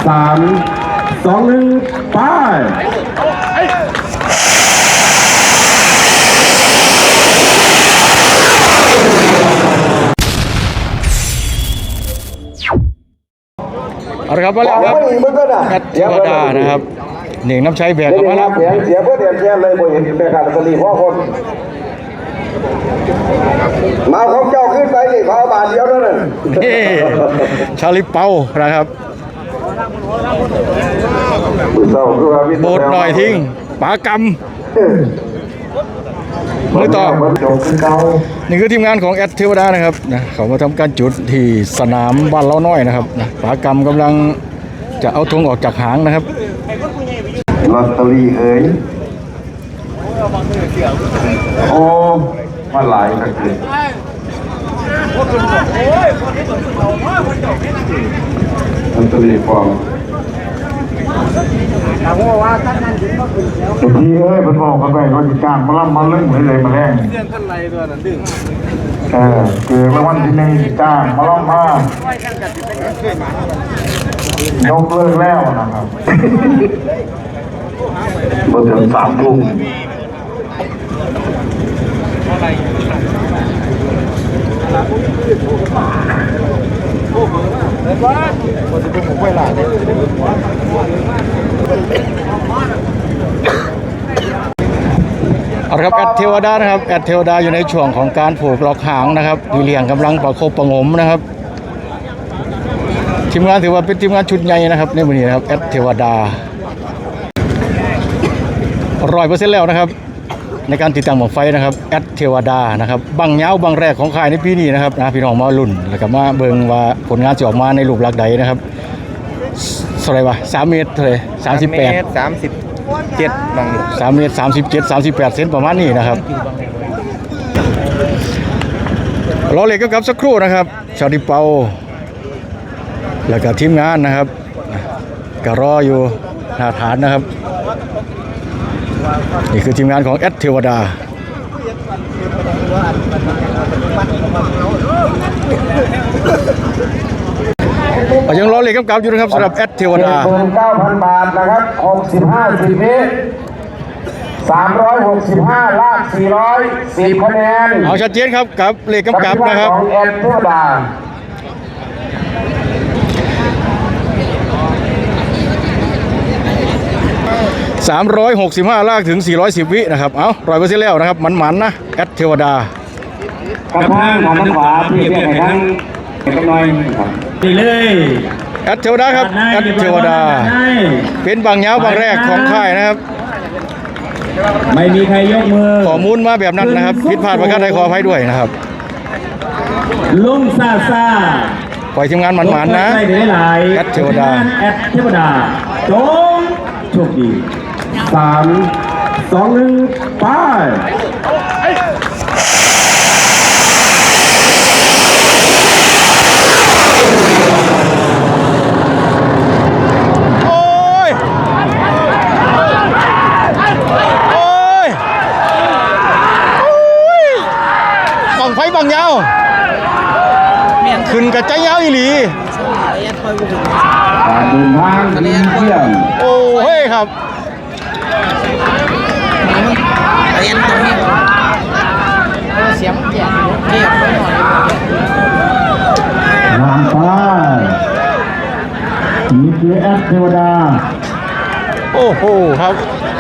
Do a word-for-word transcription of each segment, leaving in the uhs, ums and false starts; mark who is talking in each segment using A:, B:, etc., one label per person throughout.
A: สามสองหนึ่งไป
B: เอาละครับมาแล้วครับแอดเทวดานะครับหนึ่งน้ำใช้แบกมาแล้ว
A: เสียงเสียเพื่อเดียนแค่เลยบ่เห็นเป็นการสลีพ่อคนมาของเจ้าขึ้นไปนี่ขอบาทเดียวเท่านั้น
B: ชาลิเปานะครับโบดหน่อยทิ้งปากำมือต่อนี่คือทีมงานของแอดเทวดานะครับนะเขามาทำการจุดที่สนามบ้านเล้าน้อยนะครับนะปากำกำลังจะเอาธงออกจากหางนะครับ
A: ลอตเตอรี่เอ้ยโอ้มาหลายนักเลยลอตเตอรี่ฟองพี่เอ้ยมันบอกกันไปว่าจะจ้างมาล่ำมาเรื่องเลยเลยมาแรงเรื่องท่านไรตัวนั้นดึงเออเกิดมาวันที่หนึ่งจ้างมาล่ำมายกเลิกแล้วนะครับเมื่อถึงสามทุ่ม
B: เอาละครับแอดเทวดานะครับแอดเทวดาอยู่ในช่วงของการผูกล็อกหางนะครับพี่เลี้ยงกำลังประคบประงมนะครับทีมงานถือว่าเป็นทีมงานชุดใหญ่นะครับในวันนี้นะครับแอดเทวดาร้อยเปอร์เซ็นต์แล้วนะครับในการติดตั้งหม้อไฟนะครับแอดเทวดานะครับบังเงาบังแรกของค่ายในปีนี้นะครับนะพี่น้องมาลุ่นแล้วก็มาเบิ่งว่าผลงานจะออกมาในรูปลักษณ์ใดนะครับเท่าไหร่วะสามเมตรเท่าไหร่สามสิบแปด
C: สามสิบเจ็ดบาง
B: สามเมตรสามสิบเจ็ดสามสิบแปดเซนประมาณนี้นะครับรอเหล็กกับสักครู่นะครับชาดิเปาแล้วก็ทีมงานนะครับก็รออยู่หน้าฐานนะครับนี่คือทีมงานของแอดเทวดายังรอเหล็กกับกับอยู่นะครับสำหรับแอดเทวดา
A: เงินเก้าพันบาทนะครับหกสิบห้าสิบเมตรสามร้อยหกสิบห้าลากสี่ร้อยสิบคะแนน
B: เอาชัดเจนครับกับเหล็กกับกับนะครับ
A: ของแอดเทวดา
B: สามร้อยหกสิบห้าลากถึงสี่ร้อยสิบวินะครับเอาร้อยเปอร์เซ็นต์แล้วนะครับมันๆนะแอดเทวดาก
A: ระทั่งทางขวาพี่เรียกให้ทั้งกันหน่อยครับดีเลย
B: แอดเทวดาครับแอดเทวดาเป็นบางเงาบางแรกของค่ายนะครับ
A: ไม่มีใครยกมือ
B: ข้อมูลมาแบบนั้นนะครับผิดพลาดประการใดขออภัยด้วยนะครับ
A: ลุงซาซา
B: ปล่อยทีมงานหมันๆนะแอดเทวดา
A: แอดเทวดาจงโชคดีสามสองหนึ่งไป
B: ไฟบางยาวขึ้นกระจายยาวอีหลี
A: การเดินทางเที่ยง
B: โอ้เฮ้ยครับ
C: เรียนตรงนี้เสียงเกียร์เกียร์ไปหน่อย
A: วางไปนี่คือแอดเทวดา
B: โอ้โหครับ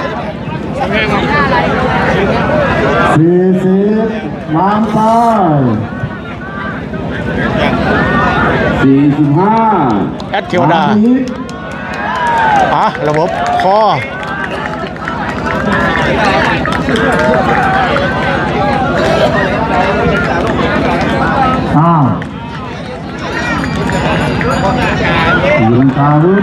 A: สี่สิบวางไปสี่สิบห้า
B: แอดเทวดาอ่ะระบบคอ
A: อ้าวยืนตาลุก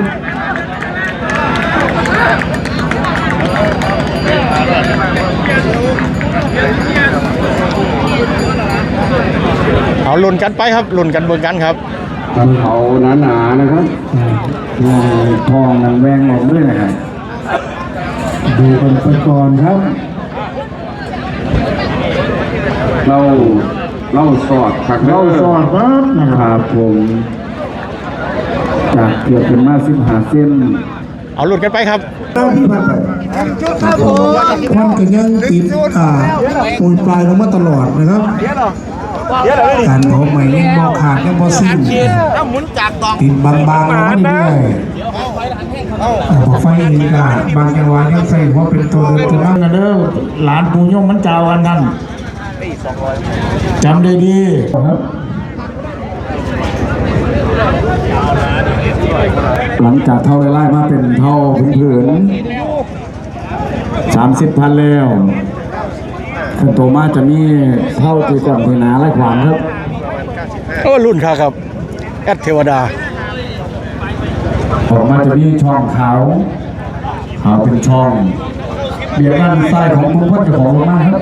B: เอาลุ้นกันไปครับลุ้นกันเบิ่งกันครับ
A: กันเขาหนาๆนะครับทองนางแวงออกด้วยนะครับดูกันไปก่อนครับเราเราสอดขักเราสอดครับนะครับผมจากเกือบเป็นมาสิบห้าเส้น
B: เอาหลุดกันไปครับ
D: เจ้าที่ผ่านไปควันกันยังติดอ่าปุยปลายลงมาตลอดนะครับการเผาใหม่ยังบ่ขาดยังบ่สิ้น
C: ถ้าหมุนจากตอก
D: ติดบางๆลงมาเรื่อยๆอ่าบ่ไฟเองก็บางจังหวะยังใส่หัวเป็นตัวเดินตัวนั่งกันเด้อหลานปู่ย่อมมันเจ้าอันนั้นจำได้ดีครับ
A: หลังจากเท่าไล่มาเป็นเท่าผืนผืนสามสิบพันแล้วขึ้นโตมาจะมีเท่าตีก่อนเทนาและขวางครับ
B: ก็รุ่นค่ะครับแอดเทวดา
A: ออกมาจะมีช่องขาวขาวเป็นช่องเบียดด้านซ้ายของคุณพ่อเจ้าของมากครับ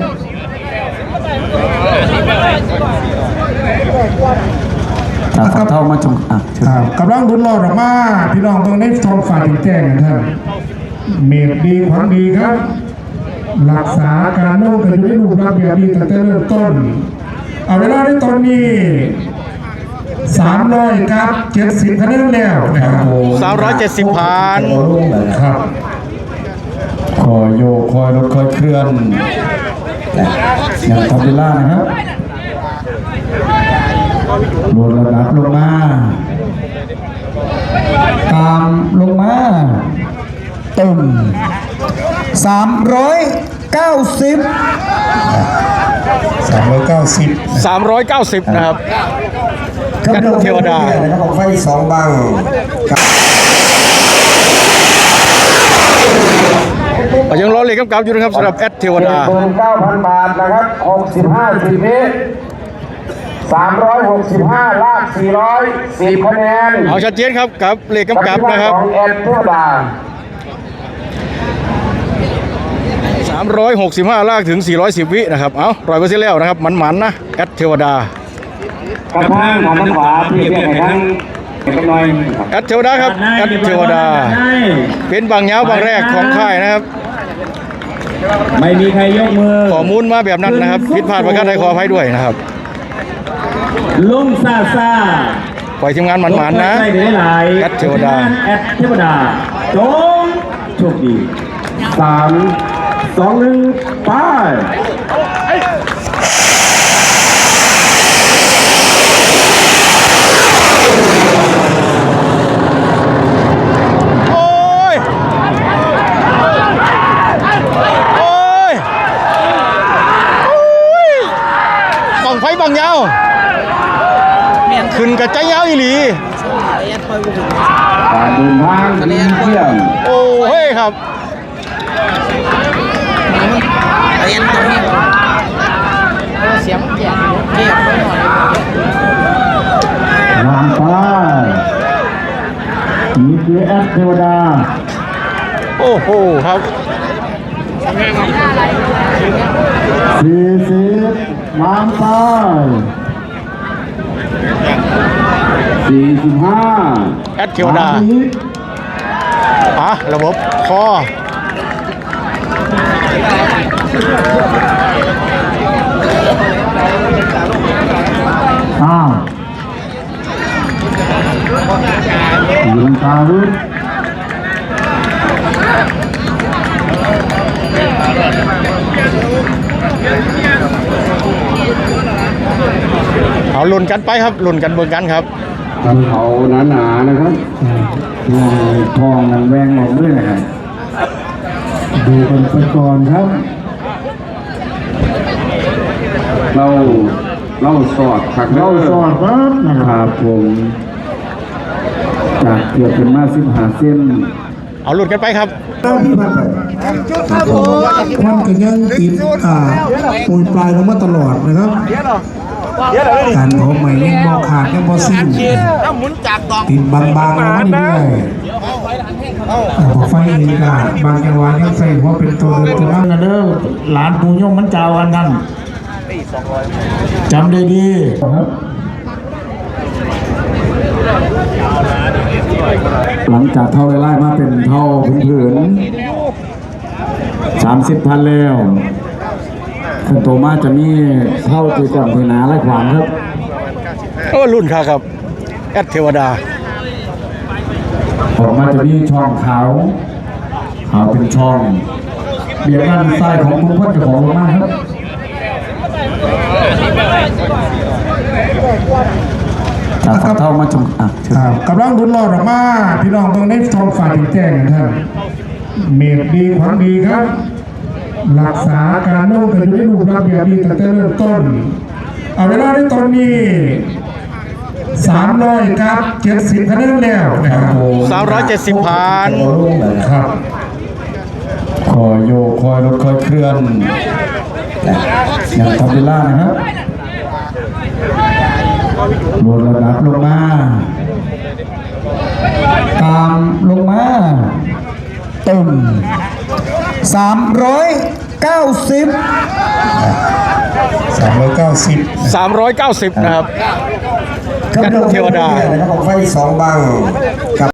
A: จากเท่ามาจงอ่ะเชิญ
D: ครับกำลังรุนรอดออกมาพี่น้องเมืองในท้องฟ้าที่แจ้งกันท่านเมตดีขวัญดีครับ รักษาการนุ่งกันอยู่ในรูปรับแบบดีตั้งแต่เริ่มต้นเอาเวลาในตอนนี้สามร้อยครับเจ็ดสิบคะแนนแล้วนะครับ
B: สามร้อยเจ็ดสิบผ่าน
D: ครับ
A: คอยโยกคอยรถคอยเคลื่อนอย่างทำเวลานะครับลดระดับลงมาตามลงมาเต็มสามร้อยเก้าสิบ
D: สามร้อยเก้าสิบ
B: สามร้อยเก้าสิบนะครับแอดเทวดา
D: นะครับของไฟสองบัง
B: ยังรอเลยกำกับอยู่นะครับสำหรับแอดเทวดา
A: เจ็ดหมื่นเก้าพันบาทนะครับหกสิบห้าสิบวิสามร้อยหกสิบห้าลากสี่ร้อยสิบคะแนน
B: เอาชัดเจนครับกับเลขกำกับนะครับ
A: ของแอดเทวดา
B: สามร้อยหกสิบห้าลากถึงสี่ร้อยสิบวินะครับเอาร้อยเปอร์เซ็นต์แล้วนะครับหมันๆนะแอดเทวดาก
A: ระทั่งทางด้านขวาพี่เรียกให้ทั้งเป็นหน่อย
B: แอดเทวดาครับแอดเทวดา เป็นบางเงาบางแรกของค่ายนะครับ
A: ไม่มีใครยกมือ
B: ข้อมูลมาแบบนั้นนะครับผิดพลาดประการใดขออภัยด้วยนะครับ
A: ลุงซาซา
B: ปล่อยทีมงานหมันๆนะ
A: ได้หลาย
B: แอดเทวดา
A: แอดเทวดาจงโชคดีสามสองหนึ่งไป
B: โอ้ย โอ้ย โอ้ยบังไฟบังยาวขึ้นกระจายยาวอีหลี
C: แอนคอยบุก
A: การเดินทางดีเยี่ยม
B: โอ้เฮ้ยครับ
C: แอนตรงนี้เสียงแก่เก็บไว้หน่อยว
A: างไปนี่คือแอดเทวดา
B: โอ้โหครับ
A: สี่สิบวางไปสี่สิบห้า
B: แอดเทวดาอ่ะระบบคอ
A: อ้าวยืนตาลึก
B: เอาลุ่นกันไปครับลุ่นกันเบิ่งกันครับ
A: ทำเขาหนาๆนะครับอ่าทองนันแวงออกด้วยนะครับดูกันไปก่อนครับ เราเราสอดขักเราสอดครับนะครับผมจากเกือบเป็นมาสิบห้าเส้น
B: เอาลุ่นกันไปครับ
D: เจ้าที่ผ่านไปควันกันยังติดอ่าปุยปลายลงมาตลอดนะครับการเผาใหม่ยังบ่ขาดยังบ่สิ้น
C: ถ้าหมุนจากตอก
D: ติดบางๆลงมาเรื่อยๆอ่าบ่ไฟเองก็บางจังหวะยังใส่หัวเป็นตัวเดินตัวนั่งกันเด้อหลานปู่ย่อมมันเจ้าอันนั้นจำได้ดีครับ
A: หลังจากเท่าไล่มาเป็นเท่าผืนผืนสามสิบพันแล้วขึ้นโตมาจะมีเท่าตีก่อนเทนาและขวางครับ
B: ก็รุ่นค่ะครับแอดเทวดา
A: ออกมาจะมีช่องขาวขาวเป็นช่องเบียดด้านซ้ายของคุณพ่อเจ้าของลงมาครับจากเท่ามาชมอ่ะเชิญ
D: ครับกำลังลุ้นรอดออกมาพี่น้องเมืองในท้องฟ้าแจ้งกันท่านเมตดีขวัญดีครับ รักษาการนุ่งกันอยู่ในรูปรับแบบดีตั้งแต่เริ่มต้นเอาเวลาในตอนนี้สามร้อยครับเจ็ดสิบคะแนนแล้วนะครับ
B: สามร้อยเจ็ดสิบผ่าน
D: ครับ
A: คอยโยกคอยรถคอยเคลื่อนอย่างทำเวลานะครับลดระดับลงมาตามลงมาตึมสามร้อยเก้าสิบ
D: สามร้อยเก้าสิบ
B: สามร้อยเก้าสิบนะครับแอดเทวดา
E: นะครับผมไฟสองบังกับ